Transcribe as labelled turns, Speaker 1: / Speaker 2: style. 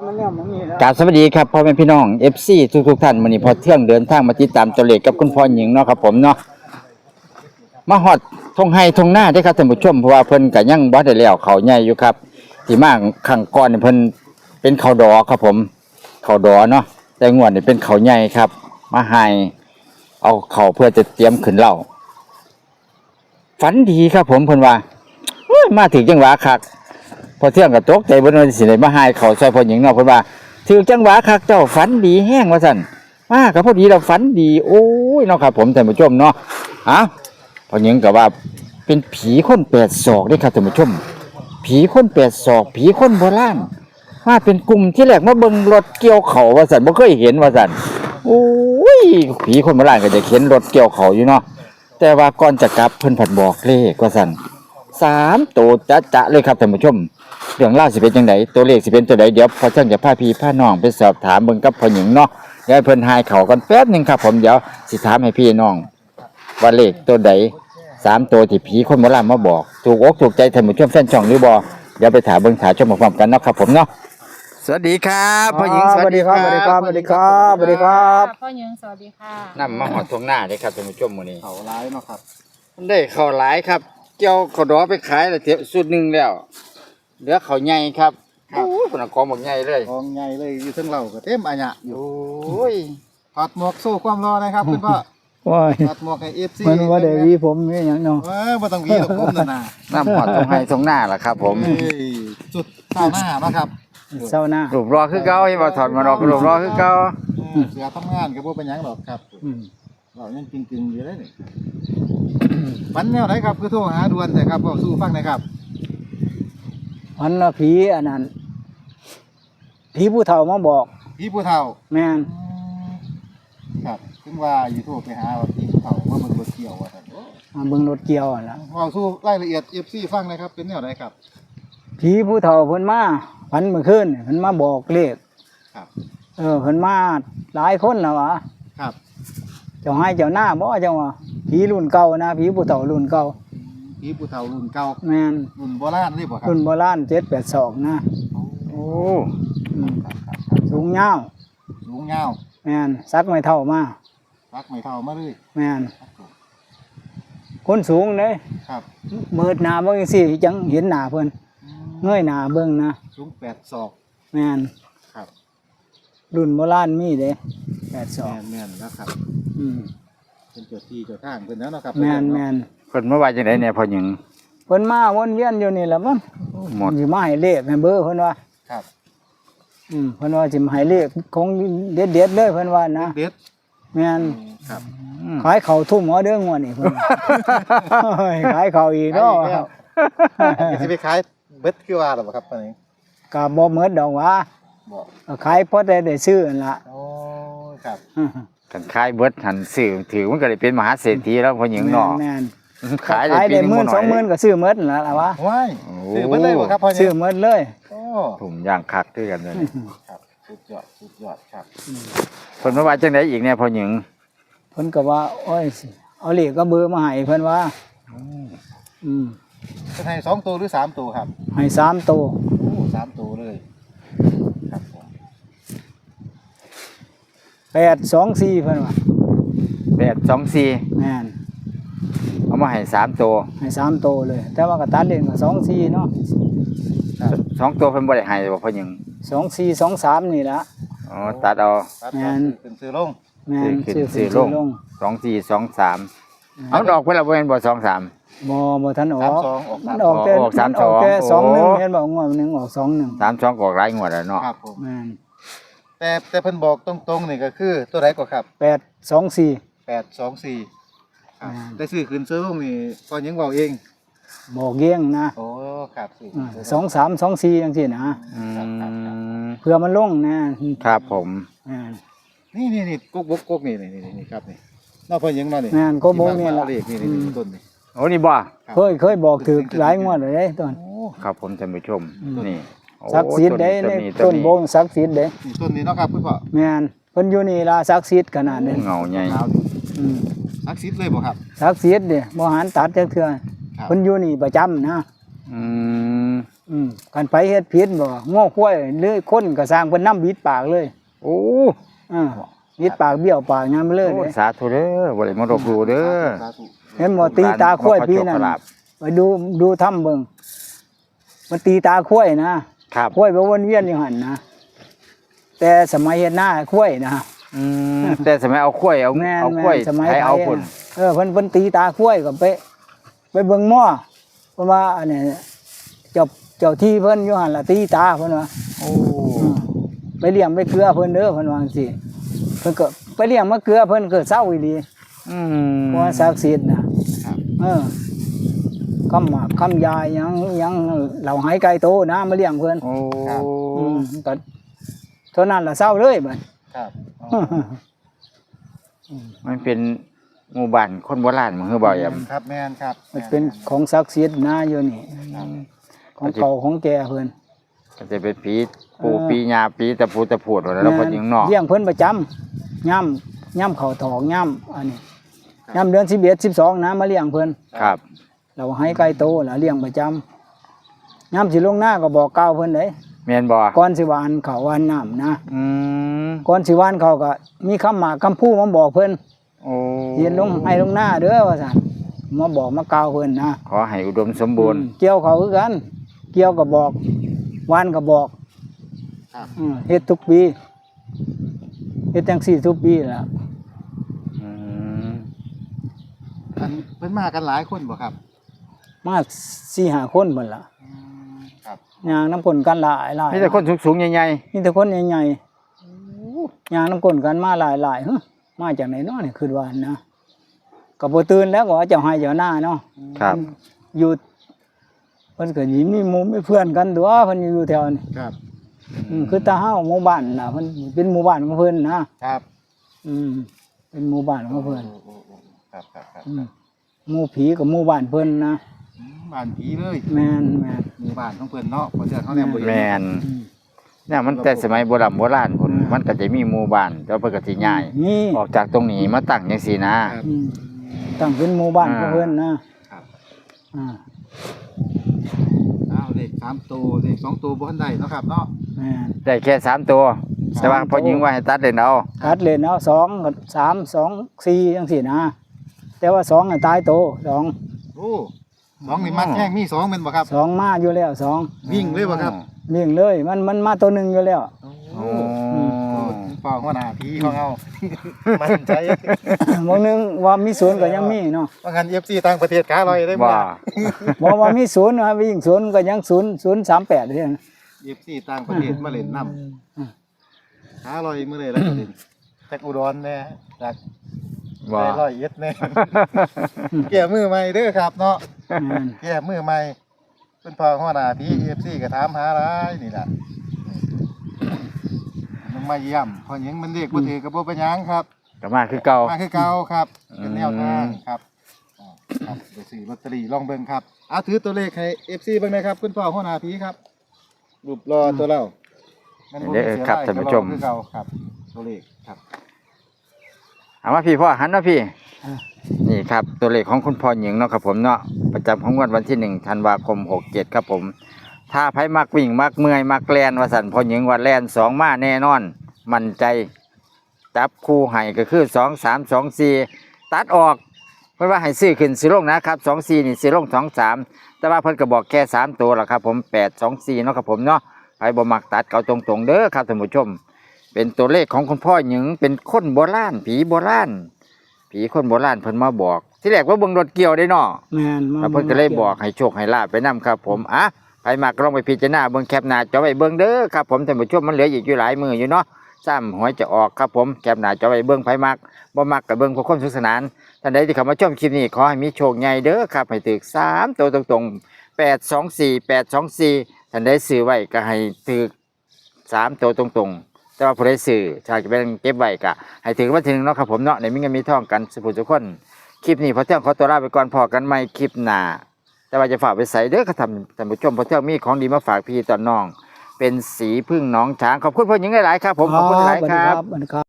Speaker 1: กราบสวัสดีครับพ่อแม่พี่น้อง FC ทุกท่านมื้อนี้พอเที่ยงเดินทางมาติดตามตัวเลขกับคุณพ่อหญิงเนาะครับผมเนาะมาฮอดทงไห้ทงหน้าได้ครับท่านผู้ชมเพราะว่าเพิ่นก็ยังบ่ได้แล้วเขาใหญ่อยู่ครับที่มาครั้งก่อนนี่เพิ่นเป็นเขาดอครับผมเขาดอเนาะแต่งวดนี่เป็นเขาใหญ่ครับมาให้เอาเขาเพื่อจะเตรียมขึ้นเหล้าฝันดีครับผมเพิ่นว่ามาถึงจังหวะคักพอเที่ยงก็ตกใจเบิ่นว่าสิได้มาให้เขาซอยพ่อหญิงเนาะเพิ่นว่าถึงจังหวะคักเจ้าฝันดีแห้งว่าซั่นมาก็พอดีเราฝันดีโอ้ยเนาะครับผมท่านผู้ชมเนาะพ่อหญิงก็ว่าเป็นผีคนแปดศอกเด้ครับท่านผู้ชมผีคนแปดศอกผีคนโบราณมาเป็นกลุ่มที่แรกมาเบิ่งรถเกี่ยวเขาว่าซั่นบ่เคยเห็นว่าซั่นโอ้ยผีคนโบราณก็จะเข็นรถเกี่ยวเขาอยู่เนาะแต่ว่าก่อนจะกลับเพิ่นผัดบอกเลขว่าซั่น3ตัวจะเลยครับท่านผู้ชมเรื่องราวสิเป็นจังไดตัวเลขสิเป็นตัวใดเดี๋ยวพอเที่ยงจะพาพี่พาน้องไปสอบถามเบิ่งกับพ่อหญิงเนาะเดี๋ยวให้เพิ่นทายเขากันแป๊บนึงครับผมเดี๋ยวสิถามให้พี่น้องว่าเลขตัวใด3ตัวที่ผีคนโบราณมาบอกถูกอกถูกใจท่านผู้ชมแฟนช่องหรือบ่เดี๋ยวไปถามเบิ่งถามชมพร้อมๆกันเนาะครับผมเนาะสวัสดีครับพ่อหญิงสวัสดีครับ
Speaker 2: สวัสดีครับสวัสดีครับสวัสดีครับ
Speaker 3: พ่อหญิงสวัสดีค่ะ
Speaker 1: นำมาหอดทงหน้าเด้ครับท่านผู้ชมมื้อนี้
Speaker 2: เขาร้ายเนาะครับ
Speaker 1: มันได้ข้าวหลายครับเจ้าข้าวดอไปขายแล้วเทียบสุดหนึงแล้วเหลือข้าวใหญ่ครับโอ้ยคนละกองบักใหญ่เลย
Speaker 2: กองใหญ่เลยอยู่เทั้งเราก็เต็มอัญญะอยู่
Speaker 1: โอ้ย
Speaker 2: ถอดหมวกสู้ความร้อนนะครับคุณพ่อ
Speaker 4: ว้าย
Speaker 2: ถอดหมวกให้FC
Speaker 4: มันว่าได้วีผมนี่อย่างเนาะ
Speaker 2: บ่ต้องวีหรอกผมนั่นน่ะ
Speaker 1: น้ำหอดทงให้ทงหน้าล่ะครับผม
Speaker 2: เอ้ยจุดเท้าหน้ามาครับ
Speaker 4: เศร้าหน้า
Speaker 1: รูปรอคือเก่าให้บ่ถอดมาดอกรูปรอคือเก่า
Speaker 2: เสือทำงานก็บ่เป็นหยังหรอกครับ
Speaker 4: อืม
Speaker 2: เรายังจริงๆอยู่เลยนี่ฝันแนวไหนครับคือโทรหาด่วนแต่ครับเว้าสู้ฟังหน่อยครับ
Speaker 4: พันละผีอันนั้นผีผู้เฒ่ามาบอก
Speaker 2: พี่ผู้เฒ่า
Speaker 4: แม่น
Speaker 2: ครับถึงว่าอยู่โทรไปหาว่าพี่ผู้เฒ่าว่ามันบ่เกี่ยวว่าซั่น
Speaker 4: มาเบิ่งรถเกี่ยวอะล่ะ
Speaker 2: เว้าสู้รายละเอียด FC ฟังหน่อยครับเป็นแนวไหนครับ
Speaker 4: ผีผู้เฒ่าเพิ่นมาพันเมื่อคืนนี่เพิ่นมาบอกเลข
Speaker 2: ครับ
Speaker 4: เพิ่นมาหลายคนแล้ววะ
Speaker 2: ครับ
Speaker 4: เจ้าให้เจ้าหน้าบ่เจ้าว่าผีรุ่นเก่านะผีผู้เฒ่ารุ่นเก่า
Speaker 2: พี่ผู้เฒ่ารุ่นเก่า
Speaker 4: แม่น
Speaker 2: รุ่นโบราณนี่บ่ครับ
Speaker 4: รุ่นโบราณ782นะ
Speaker 1: โอ้
Speaker 4: อืมสูงยาว
Speaker 2: สูงยาว
Speaker 4: แม่นซักไม่เท่ามา
Speaker 2: รักไม่เท่ามาเลย
Speaker 4: แม่นคนสูงเด้
Speaker 2: ครับ
Speaker 4: มืดหน้าเบิ่งจังซี่จังเห็นหน้าเพิ่นเงยหน้าเบิ่งนะ
Speaker 2: สูง8ศอก
Speaker 4: แม่น
Speaker 2: ครับ
Speaker 4: รุ่นโบราณมีเด้
Speaker 2: แม่
Speaker 4: 82
Speaker 2: นแม่นแล้วครับ
Speaker 4: อืม
Speaker 2: เป็นเจ้าที่เจ้าทางเพิ่นแล้วเนาะครับ
Speaker 4: แม่นแม่น
Speaker 1: เพิ่นมาว่าจังไดเนี่ยพ่อหญิง
Speaker 4: เพิ่นมาวนเวียนอยู่นี่แหละมัน
Speaker 1: หมด
Speaker 4: สิมาให้เลขให้เบอร์เพิ่นว่า
Speaker 2: ครับ
Speaker 4: เพิ่นว่าสิมาให้เลขของเด็ดๆเลยเพิ่นว่านะ
Speaker 2: เด็ด
Speaker 4: แม่น
Speaker 2: ครับ
Speaker 4: ขายข้าวทุ่มเอาเด้องวดนี่เพิ่นว่าโอ้ยขายข้าวอีกเนาะ
Speaker 2: ขายอีกแล้วสิไปขายเบิดคือว่าหรอบ่ครับปานนี้
Speaker 4: ก็บ่หมดดอกหว่า
Speaker 2: บ่
Speaker 4: ก็ขายพอได้ซื้อนั่นล่ะ
Speaker 2: โอ้ครับ
Speaker 1: กันขายเบิดหันซื้อถือมันก็ได้เป็นมหาเศรษฐีแล้วพ่อหญิงเนาะ
Speaker 4: แม่น
Speaker 1: ขาย
Speaker 4: ขาย
Speaker 1: ได้ปี
Speaker 4: ได้
Speaker 1: หนึง
Speaker 4: หมื่
Speaker 1: บ่
Speaker 4: น
Speaker 1: น้
Speaker 4: ส
Speaker 1: อ
Speaker 4: องหมื่น
Speaker 1: ย
Speaker 4: ก็ซื้อหมดนั่นล่ะวะ
Speaker 2: ว้าย
Speaker 1: โอ้
Speaker 2: ซื้อเบิดเลยบ่ครับพ่อ
Speaker 4: ซื้
Speaker 2: เนี่
Speaker 4: อย หมดเลย
Speaker 2: โอ้
Speaker 1: ถุงย่างคักคือกันเลย
Speaker 2: ครับสุดยอดสุดยอดครับ
Speaker 1: เพิ่นมาว่าจังไดอีกเนี่ยพ่อหญิง
Speaker 4: เพิ่นก็ว่าโอ้ยเอาเลขก็เบอร์มาให้เพิ่นว่าอืม
Speaker 2: จะให้2ตัวหรือ3ตัวครับ
Speaker 4: ให้3ตัว
Speaker 2: โอ้3ตัวเลยครับผม
Speaker 4: 824เพิ่นว่า
Speaker 1: 824
Speaker 4: แม่น
Speaker 1: เอามาให้3ตัว
Speaker 4: ให้3ตัวเลย แต่ว่าก็ตัดเล่นก็24เนาะ
Speaker 1: 2ตัวเพิ่นบ่ได้ให้บ่พ่อหญิง
Speaker 4: 24 23นี่ล่ะ
Speaker 1: อ๋อตัดเอา
Speaker 2: ตัด
Speaker 4: แม่น
Speaker 2: เป็นซื้อลง
Speaker 4: แม่น
Speaker 1: ซื้อขึ้นซื้อลง 2423เอาดอกเพิ่นละบ่แม่นบ่23
Speaker 4: บ่ทันออก
Speaker 2: 32ออก
Speaker 4: มันออกแต่
Speaker 1: ออก
Speaker 4: มันออกแต่
Speaker 1: 32
Speaker 4: 21เห็นบ่งวดหนึงออก21
Speaker 1: 32ก็ออกหลายงวดแล้วเนาะ
Speaker 2: ครับผม
Speaker 4: แม่น
Speaker 2: แต่เพิ่นบอกตรงๆนี่ก็คือตัวใดก็ครับ
Speaker 4: 824
Speaker 2: 824ครับได้ซื้อคืนซื้อลงนี่พอยังเว้าเอง
Speaker 4: บอกเกี้ยงนะ
Speaker 2: โอ้ครับซื้อ
Speaker 4: 23 24จังซี่นะ
Speaker 1: อืม
Speaker 4: เพื่อมันลงนะครับ
Speaker 1: ผม
Speaker 4: แม่น
Speaker 2: นี่กุ๊กบกกุ๊กนี่ครับนี่นอกพอยังมานี่
Speaker 4: แม่นก็บกนี่ล่ะ
Speaker 2: เลขนี่ต้นนี่
Speaker 1: โอ้นี่บ่
Speaker 4: เคยบอกถึกหลายงวดเลยเด้ต้น
Speaker 2: โอ้
Speaker 1: ครับผมท่านผู้ชมนี่โอ้
Speaker 4: ศักดิ์สิทธิ์เด้ในต้นโบงศักดิ์สิทธิ์เด้
Speaker 2: นี่ต้นนี้เนาะครับคุณพ่อ
Speaker 4: แม่นเพิ่นอยู่นี่ล่ะศักดิ์สิทธิ์ขนาดนี้
Speaker 1: เงาใหญ่
Speaker 4: อืม
Speaker 2: ซักซิดเลยบ่ครับ
Speaker 4: ศักดิ์สิทธิ์เด้บ่หันตัดจักเทื่อ
Speaker 2: ครับ
Speaker 4: เพิ่นอยู่นี่ประจำนะ
Speaker 1: อืม
Speaker 4: กันไปเฮ็ดผิดบ่ง้อควายหรือคนก็สร้างเพิ่นนำบิดปากเลย
Speaker 1: โอ้
Speaker 4: บิดปากเบี้ยวปากยามไปเลย
Speaker 1: โอ้สาธุเด้อบ่ได้มาลบหลู่เด้อ
Speaker 2: สาธุ
Speaker 4: เห็นบ่ตีตาควายปีนั้นไปดูถ้ำเบิ่งมันตีตาควายนะครับ ควายไปวนเวียนอยู่หั่นนะแต่สมัยเฮ็ดหน้าควายนะ
Speaker 1: แต่สมัยเอาข้วยเอา
Speaker 4: แม่น
Speaker 1: เอาข้วย
Speaker 4: สมัย
Speaker 1: ให้
Speaker 4: ไท
Speaker 1: เอา
Speaker 4: ย
Speaker 1: พุ่น
Speaker 4: เพิ่นตีตาควายก็ไปเบิ่งหม้อเพราะว่าอันนี้เจ้าที่เพิ่นอยู่หั่นล่ะตีตาเพิ่นว่า
Speaker 1: โอ้
Speaker 4: ไปเลี้ยงไปเกลือเพิ่นเด้อเพิ่นว่าจังซี่เพิ่นก็ไปเลี้ยงมาเกลือเพิ่นก็เศร้าอีหลี เพราะว่าศักดิ์สิทธิ์นะคำหมากคำยายยังเหล่าหายไก่โตนะมาเลี้ยงเพิ่น
Speaker 1: โอ้
Speaker 4: ก็เท่านั้นล่ะเศร้าเลยบัด
Speaker 2: ครับ
Speaker 1: มันเป็นหมู่บ้านคนโบราณมันคือบ่อยำ
Speaker 2: ครับแม่นครับ
Speaker 4: มันเป็นของศักดิ์สิทธิ์นะอยู่นี่ของเก่าของแก่เพิ่น
Speaker 1: ก็จะเป็นผีปู่ปีญาปีตะปูตะพูดแล้วพอยิงนอก
Speaker 4: เลี้ยงเพิ่นประจำย่ำเข้าถอกย่ำอันนี้ย่ำเดือน11 12นะมาเลี้ยงเพิ่น
Speaker 1: ครับ
Speaker 4: เราให้ไก่โตล่ะเลี้ยงประจำย่ำสิลงหน้าก็บอกกล่าวเพิ่นเด้
Speaker 1: แม่นบ่
Speaker 4: ก่อนสิหวานข้าวหวานน้ำนะ
Speaker 1: อืม
Speaker 4: ก่อนสิหวานเขาก็มีคำหมากคำพูดมาบอกเพิ่น
Speaker 1: โอ้
Speaker 4: เย็นลงให้ลงหน้าเด้อว่าซั่นมาบอกมากล่าวเพิ่นนะ
Speaker 1: ขอให้อุดมสมบูรณ์
Speaker 4: เกี่ยวเขาคือกัน เกี่ยวก็บอกหวานก็บอก
Speaker 2: ครับ
Speaker 4: เฮ็ดทุกปีเฮ็ดจังซี่ทุกปีล่ะ
Speaker 1: อืม
Speaker 2: อันเพิ่นมากันหลายคนบ่ครับ
Speaker 4: มา 4-5 คนเพิ่นล่ะ
Speaker 2: ครับ
Speaker 4: ย่างน้ำก้นกันหลาย
Speaker 1: มีแต่คนสูงๆใหญ่
Speaker 4: มีแต่คนใหญ่ๆย่างน้ำก้นกันมาหลายมาจากไหนเนาะนี่คือว่านะก็บ่ตื่นแล้วก็ว่าเจ้าให้เจ้าหน้าเนาะ
Speaker 1: ๆครับ
Speaker 4: อยู่เพิ่นก็สิมีหมู่มีเพื่อนกันตัวเพิ่นอยู่แถวนี้
Speaker 2: ครับ
Speaker 4: คือตาเฮาหมู่บ้านน่ะเพิ่นเป็นหมู่บ้านของเพิ่นนะครับ เป็นหมู่บ้านของเพิ่น
Speaker 2: ครับครับครับ
Speaker 4: หมู่ผีกับหมู่บ้านเพิ่นนะ
Speaker 2: บ้านผีเลย
Speaker 4: แม่น
Speaker 2: หมู่บ้านของเพิ่นเนาะบ่เทื่อเฮาแนมบ่เห็น
Speaker 1: แม่นเนี่ยมันแต่สมัยโบราณพุ่นมันก็จะมีหมู่บ้านแล้วเพิ่นก็สิย้าย
Speaker 4: นี่
Speaker 1: ออกจากตรงนี้มาตั้งจังซี่นะครับ
Speaker 4: ตั้งเป็นหมู่บ้านของเพิ่นนะครับ อ่า
Speaker 2: อ้าวเลข3ตัวเลข2ตัวบ่ทันได้เนาะครับเนาะ
Speaker 4: แม่น
Speaker 1: ได้แค่3ตัวแต่ว่าพอยิงว่าให้ตัดเล่นเอา
Speaker 4: ตัดเล่นเอา2กับ3 2 4จังซี่นะแต่ว่า2น่ะตายโต2
Speaker 2: โอ้2นี่มักแห้งมี2แม่นบ่ครับ
Speaker 4: 2มาอยู่แล้ว2
Speaker 2: วิ่งเลยบ่ครับ
Speaker 4: เลี้ยงเลยมันมาตัวหนึงอยู่แล้ว
Speaker 1: โอ้
Speaker 2: เฝ้าหัวหน้าผีของเฮา มั่นใจ
Speaker 4: บางนึงว่ามีศูนย์ก็ยังมีเนาะ
Speaker 2: ว่างั้น FC ต่างประเทศขาลอยได้บ่
Speaker 1: ว่า
Speaker 4: บอกว่ามีศูนย์นะวิ่งศูนย์ก็ยัง038เท่านั้น
Speaker 2: FC ต่างประเทศมาเล่นน้ำขาลอยมื้อเลยแล้วก็เล่นจากอุดรแน่จาก
Speaker 1: ว่า
Speaker 2: ได้ร้อยเอ็ดแน่ แก้มือใหม่เด้อครับเนาะ
Speaker 4: แม่น
Speaker 2: แก้มือใหม่เป็นพ่อหัวหน้าพี่ FC ก็ถามหาหลายนี่ล่ะมันมาเยี่ยมพอหยังมันเรียกบ่ถือก็บ่เป็นหยังครับ
Speaker 1: ก็มาคือเก่า
Speaker 2: มาคือเก่าครับเป็นแนวทางครับครับไปซื้อลอตเตอรี่ลองเบิ่งครับเอาถือตัวเลขให้ FC เบิ่งหนะครับคุณพ่อหัวหน้าพี่ครับรูปรอตัวเรามันบ่มีเสีย
Speaker 1: ครับ
Speaker 2: ดาย
Speaker 1: ท่านผู้ชม
Speaker 2: ก็รอคือเก่าครับตัวเลขครับ
Speaker 1: เอามาพี่พ่อหันมาพี่ นี่ครับตัวเลขของคุณพ่อหญิงเนาะครับผมเนาะประจำของงวดวันที่1ธันวาคม67ครับผม ถ้าไผมักวิ่งมักเมื่อยมักแลนว่าสั่นพ่อหญิงว่าแลน2มาแน่นอน มั่นใจจับคู่ให้ก็คือ2 3 2 4ตัดออกเพิ่นว่าให้ซื้อขึ้นซื้อลงนะครับ2 4นี่ซื้อลง2 3แต่ว่าเพิ่นก็บอกแค่3ตัวล่ะครับผม8 2 4เนาะครับผมเนาะไผบ่มักตัดเก่าตรงๆเด้อครับท่านผู้ชม เป็นตัวเลขของคุณพ่อหญิงเป็นคนโบราณผีโบราณผีคนโบราณเพิ่นมาบอก ที่แรกว่าเบิ่งรถเกี่ยวได้เนาะ
Speaker 4: แม่นมา
Speaker 1: แล้วเพิ่นก็เลยบอกให้โชคให้ลาภไปนํครับผมไผมักก็ลองไปพิจารณาเบิ่งแคปหน้าจอไว้เบิ่งเด้อครับผมท่านผู้ชมมันเหลืออีกอยู่หลายมืออยู่เนาะซ้ำหวยจะออกครับผมแคปหน้าจอไว้เบิ่งไผมักบ่มักก็เบิ่งเพื่อความสนุกสนานท่านใดที่เข้ามาชมคลิปนี้ขอให้มีโชคใหญ่เด้อครับให้ถึก3ตัวตรงๆ824 824ท่านใดซื้อไว้ก็ให้ถึก3ตัวตรงๆแต่ว่าผู้ใดซื้อถ้าจะเป็นเก็บไว้ก็ให้ถึงวันที่1เนาะครับผมเนาะในมีเงินมีทองกันสุขทุกคนคลิปนี้พอเที่ยงขอตัวลาไปก่อนพอกันใหม่คลิปหน้าแต่ว่าจะฝากไปใส่เด้อครับท่านผู้ชมพอเที่ยงมีของดีมาฝากพี่ตอนน้อง เป็นสีพึ่งน้องช้างขอบคุณพ่อหญิงหลายๆครับผมขอบคุณหลายๆครับ
Speaker 4: สวัสดีครับ